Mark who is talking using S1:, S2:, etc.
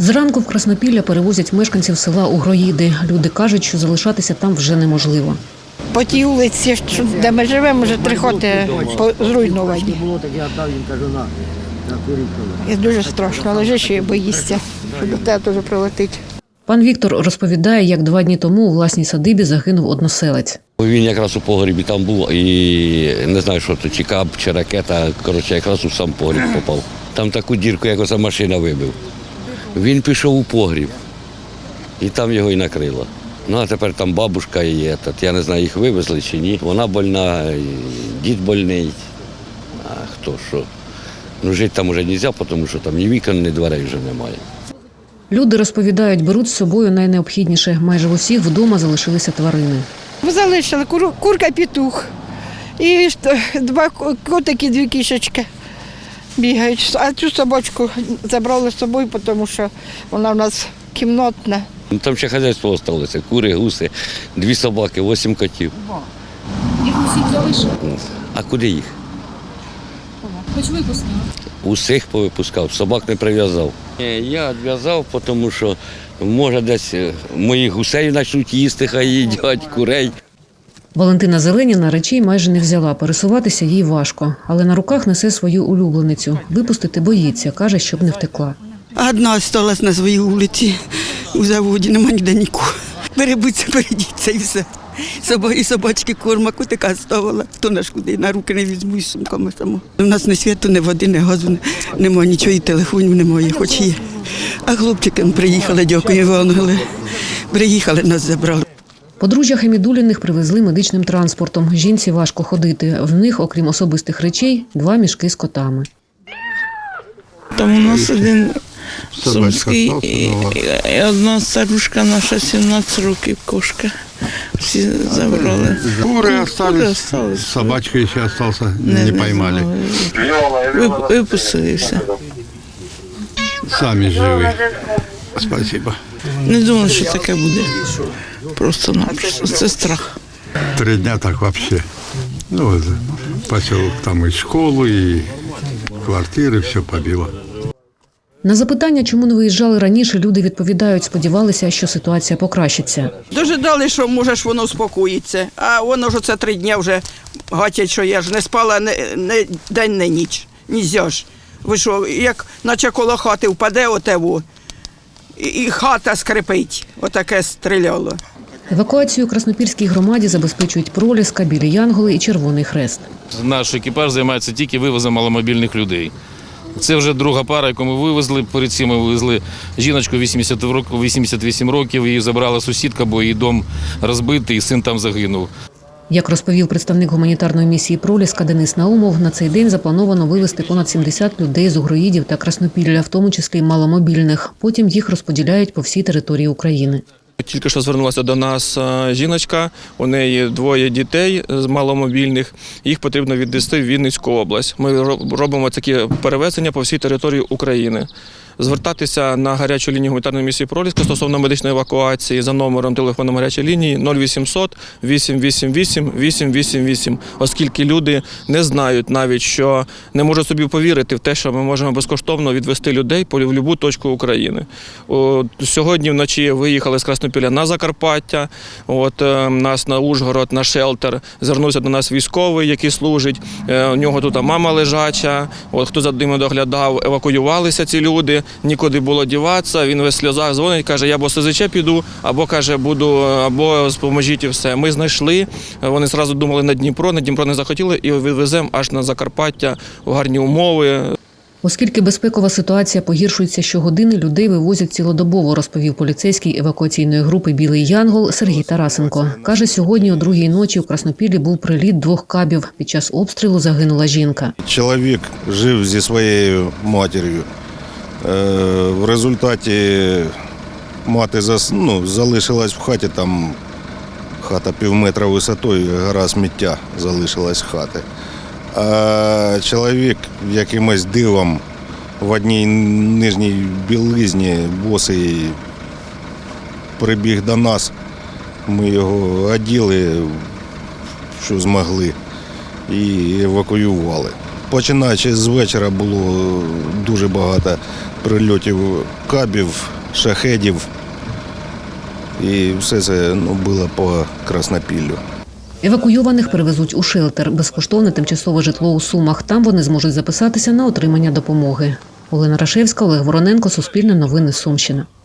S1: Зранку в Краснопілля перевозять мешканців села Угроїди. Люди кажуть, що залишатися там вже неможливо.
S2: По тій вулиці, де ми живемо, вже 3 хати зруйновані. І дуже страшно, лежиш і боїшся, що до тебе теж прилетить.
S1: Пан Віктор розповідає, як 2 дні тому у власній садибі загинув односелець.
S3: Він якраз у погрібі там був і не знаю, що то, чи кап, чи ракета, коротше, якраз у сам погріб попав. Там таку дірку, як оця машина вибив. Він пішов у погріб і там його і накрило. Ну, а тепер там бабушка є, я не знаю, їх вивезли чи ні. Вона больна, дід больний, а хто що. Ну, жити там вже не можна, тому що там ні вікон, ні дверей вже немає.
S1: Люди розповідають, беруть з собою найнеобхідніше. Майже в усіх вдома залишилися тварини.
S2: Ми залишили курка-петух і 2 котики, 2 кішечки бігають. А цю собачку забрали з собою, тому що вона в нас кімнатна.
S3: Ну, там ще хазяйство залишилося, кури, гуси, 2 собаки, 8 котів.
S4: Їх усіх залишили?
S3: А куди їх?
S4: Хоч випустили?
S3: Усіх повипускав, собак не прив'язав. Я відв'язав, тому що, може, десь моїх гусей почнуть їсти, хай їдять, курей.
S1: Валентина Зеленіна речей майже не взяла. Пересуватися їй важко. Але на руках несе свою улюбленицю. Випустити боїться, каже, щоб не втекла.
S5: Одна залишилась на своїй вулиці у заводі, нема ніде нікого. Перебудься, перейдіться і все. І собачки корма, котика ставила, хто наш куди, на руки не візьму із сумками само. У нас ні світу, ні води, ні газу, немає нічого, і телефонів немає, хоч є. А хлопчики приїхали, дякую вам, приїхали, нас забрали.
S1: Подружжя Хамідуліних привезли медичним транспортом. Жінці важко ходити. В них, окрім особистих речей, 2 мішки з котами.
S6: Там у нас один сумський і одна старушка наша, 17 років, кошка. Всі забрали.
S7: Куры остались, собачка еще остался, не поймали.
S6: Випустили все.
S7: Сами живы. Спасибо.
S6: Не думали, що таке буде. Просто-напросто. Це страх.
S7: 3 дня так вообще. Ну, вот, поселок, там и школу, и квартиры, все побило.
S1: На запитання, чому не виїжджали раніше, люди відповідають, сподівалися, що ситуація покращиться.
S5: Дожидали, що може ж воно успокоїться, а воно ж оце 3 дні вже гатять, що я ж не спала ні день, ні ніч. Нельзя ж. Ви що, як наче коло хати впаде отево, і хата скрипить, отаке стріляло.
S1: Евакуацію Краснопільській громаді забезпечують Проліска, Білі Янголи і Червоний Хрест.
S8: Наш екіпаж займається тільки вивозом маломобільних людей. Це вже друга пара, яку ми вивезли. Перед цим ми вивезли жіночку 88 років, її забрала сусідка, бо її дом розбитий, і син там загинув.
S1: Як розповів представник гуманітарної місії Проліска Денис Наумов, на цей день заплановано вивезти понад 70 людей з Угроїдів та Краснопілля, в тому числі маломобільних. Потім їх розподіляють по всій території України.
S9: Тільки що звернулася до нас жіночка, у неї 2 дітей з маломобільних, їх потрібно відвезти в Вінницьку область. Ми робимо такі перевезення по всій території України. Звертатися на гарячу лінію гуманітарної місії Проліска стосовно медичної евакуації за номером телефону гарячої лінії 0800 888 888, оскільки люди не знають навіть, що не можуть собі повірити в те, що ми можемо безкоштовно відвезти людей в будь-яку точку України. Сьогодні вночі виїхали з Краснопілля на Закарпаття, нас на Ужгород, на шелтер, звернувся до нас військовий, який служить, у нього тут мама лежача, хто за ними доглядав, евакуювалися ці люди. Нікуди було діватися, він весь в сльозах дзвонить, каже, я або СЗЧ піду, або, каже, буду, або допоможіть і все. Ми знайшли, вони одразу думали на Дніпро не захотіли і відвеземо аж на Закарпаття у гарні умови.
S1: Оскільки безпекова ситуація погіршується щогодини, людей вивозять цілодобово, розповів поліцейський евакуаційної групи «Білий Янгол» Сергій Тарасенко. Каже, сьогодні о 2-й ночі у Краснопіллі був приліт 2 кабів. Під час обстрілу загинула жінка.
S10: Чоловік жив зі своєю матір'ю. В результаті мати залишилась в хаті, там хата півметра висотою, гора сміття залишилась в хаті. А чоловік якимось дивом в одній нижній білизні босий прибіг до нас. Ми його оділи, що змогли, і евакуювали. Починаючи з вечора було дуже багато прильотів кабів, шахедів. І все це було по Краснопіллю.
S1: Евакуйованих перевезуть у шелтер – безкоштовне тимчасове житло у Сумах. Там вони зможуть записатися на отримання допомоги. Олена Рашевська, Олег Вороненко, Суспільне новини, Сумщина.